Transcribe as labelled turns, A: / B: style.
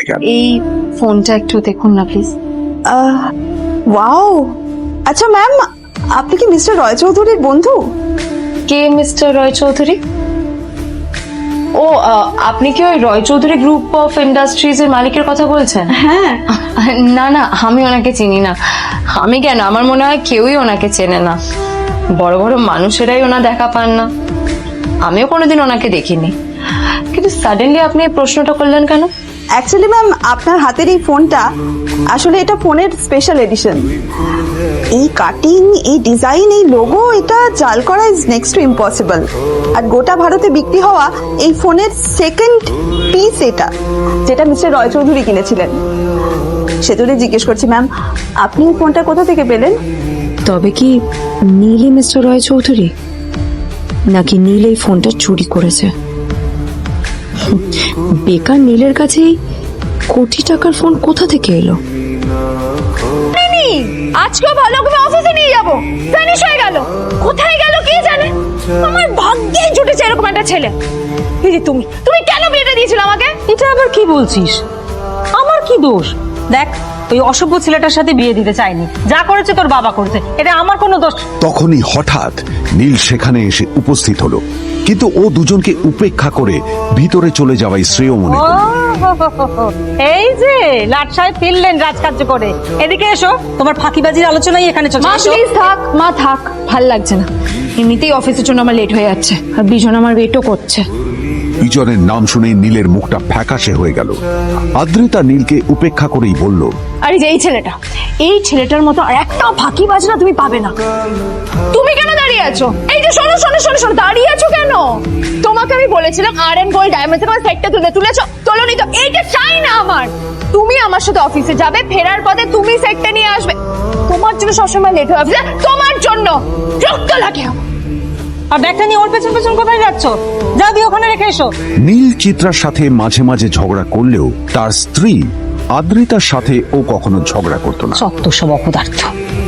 A: হয় কেন?
B: এই ফোনটা একটু দেখুন না প্লিজ।
C: ওয়াও, আচ্ছা ম্যাম, আপনি কি মিস্টার রয় চৌধুরীর বন্ধু?
B: কে মিস্টার রয় চৌধুরী? ও আপনি কি ওই Roy Chowdhury group of industries এর মালিকের কথা বলছেন?
C: হ্যাঁ।
B: না না, আমি ওনাকে চিনি না। আমি কেন, আমার মনে হয় কেউই ওনাকে চেনে না। বড় বড় মানুষেরাই ওনা দেখা পান না। আমিও কোনোদিন ওনাকে দেখিনি, কিন্তু সাডেনলি আপনি এই প্রশ্নটা করলেন কেন?
C: অ্যাকচুয়ালি ম্যাম, আপনার হাতের এই ফোনটা আসলে এটা ফোনের স্পেশাল এডিশন। এই কাটিং, এই ডিজাইন, এই লোগো, এটা জাল করা ইজ নেক্সট টু ইম্পসিবল। আর গোটা ভারতে বিক্রি হওয়া এই ফোনের সেকেন্ড পিস এটা, যেটা মিস্টার রয় চৌধুরী কিনেছিলেন। সেজন্যই জিজ্ঞেস করছি ম্যাম, আপনি এই ফোনটা কোথা থেকে পেলেন?
D: তবে কি নীলই মিস্টার রয় চৌধুরী, নাকি নীল এই ফোনটা চুরি করেছে? বেকার নীলের কাছেই কোটি টাকার ফোন কোথা থেকে এলো?
B: আজকে ভালো করে অফিসে নিয়ে যাব, ফিনিশ হয়ে গেল। কোথায় গেল কে জানে। আমার ভাগ্যে জুটেছে এরকম একটা ছেলে। এই যে তুমি কেন বিয়েটা দিয়েছিলে আমাকে?
E: এটা আবার কি বলছিস? আমার কি দোষ? দেখ, ওই অসভ্য ছেলেটার সাথে বিয়ে দিতে চাইনি। যা করেছে তোর বাবা করেছে, এটা আমার কোনো দোষ।
A: তখনই হঠাৎ নীল সেখানে এসে উপস্থিত হলো, কিন্তু ও দুজনকে উপেক্ষা করে ভিতরে চলে যাওয়াই শ্রেয় মনে করল।
E: এই যে লাট সাহেব ফিরলেন রাজকার্য করে। এদিকে এসো, তোমার ফাঁকিবাজির আলোচনাই এখানে চলছে।
B: মা প্লিজ থাক, মা থাক, ভাল লাগছে না। এমনিতেই অফিসের জন্য আমার লেট হয়ে যাচ্ছে, আর বিজন আমার ওয়েটও করছে।
A: বিজনের নাম শুনে নীলের মুখটা ফ্যাকাশে হয়ে গেল। আদ্রিতা নীলকে উপেক্ষা করেই বলল,
B: আরে যে এই ছেলেটার মতো আর একটা ফাঁকিবাজ না তুমি পাবে না। তুমি কেন দাঁড়িয়ে আছো? এই যে শোনো শোনো শোনো শোনো, দাঁড়িয়ে আছো কেন? তোমাকে আমি বলেছিলাম আর এন্ড গোল্ড ডায়মন্ডস এর সেটটা তুলেছো, তোলোনি তো। এইটা চাই না আমার। তুমি আমার সাথে অফিসে যাবে, ফেরার পথে তুমি সেটটা নিয়ে আসবে। তোমার জন্য সবসময় লেট হয়ে অফিসে, তোমার জন্য রক্ত লাগে।
E: আর ব্যাগটা নিয়ে ওর পেছন পেছন কোথায় যাচ্ছ? যা দিয়ে ওখানে রেখে এসো।
A: নীল চিত্রার সাথে মাঝে মাঝে ঝগড়া করলেও তার স্ত্রী আদ্রিতার সাথে ও কখনো ঝগড়া করতো না।
E: সত্য সব অপদার্থ।